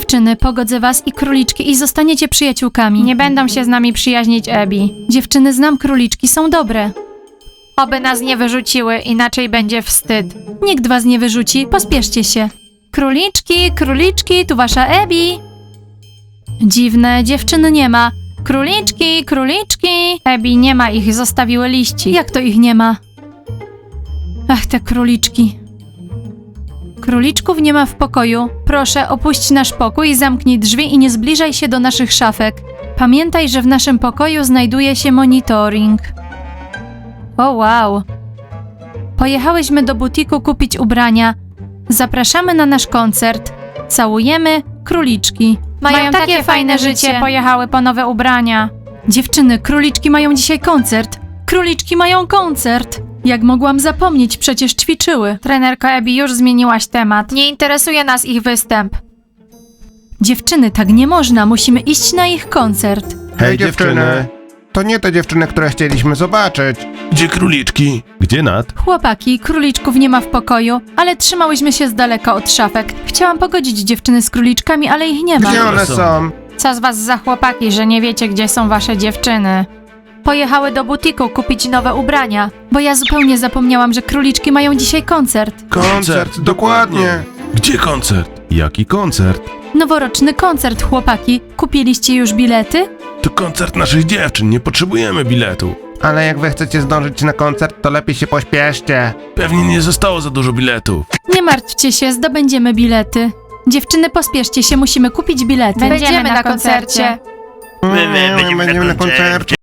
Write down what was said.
Dziewczyny, pogodzę was i króliczki i zostaniecie przyjaciółkami. Nie będą się z nami przyjaźnić, Abby. Dziewczyny, znam króliczki, są dobre. Oby nas nie wyrzuciły, inaczej będzie wstyd. Nikt was nie wyrzuci, pospieszcie się. Króliczki, króliczki, tu wasza Abby. Dziwne, dziewczyn nie ma. Króliczki, króliczki. Abby, nie ma ich, zostawiły liści. Jak to ich nie ma? Ach, te króliczki. Króliczków nie ma w pokoju. Proszę, opuść nasz pokój, zamknij drzwi i nie zbliżaj się do naszych szafek. Pamiętaj, że w naszym pokoju znajduje się monitoring. O wow. Pojechałyśmy do butiku kupić ubrania. Zapraszamy na nasz koncert. Całujemy, króliczki. Mają takie fajne życie, pojechały po nowe ubrania. Dziewczyny, króliczki mają dzisiaj koncert. Króliczki mają koncert. Jak mogłam zapomnieć, przecież ćwiczyły. Trenerko Abby, już zmieniłaś temat. Nie interesuje nas ich występ. Dziewczyny, tak nie można, musimy iść na ich koncert. Hej dziewczyny! To nie te dziewczyny, które chcieliśmy zobaczyć. Gdzie króliczki? Gdzie Nat? Chłopaki, króliczków nie ma w pokoju, ale trzymałyśmy się z daleka od szafek. Chciałam pogodzić dziewczyny z króliczkami, ale ich nie ma. Gdzie one są? Co z was za chłopaki, że nie wiecie, gdzie są wasze dziewczyny? Pojechały do butiku kupić nowe ubrania, bo ja zupełnie zapomniałam, że króliczki mają dzisiaj koncert. Koncert, dokładnie. Gdzie koncert? Jaki koncert? Noworoczny koncert, chłopaki. Kupiliście już bilety? To koncert naszych dziewczyn, nie potrzebujemy biletu. Ale jak wy chcecie zdążyć na koncert, to lepiej się pośpieszcie. Pewnie nie zostało za dużo biletów. Nie martwcie się, zdobędziemy bilety. Dziewczyny, pospieszcie się, musimy kupić bilety. Będziemy na koncercie. Będziemy na koncercie.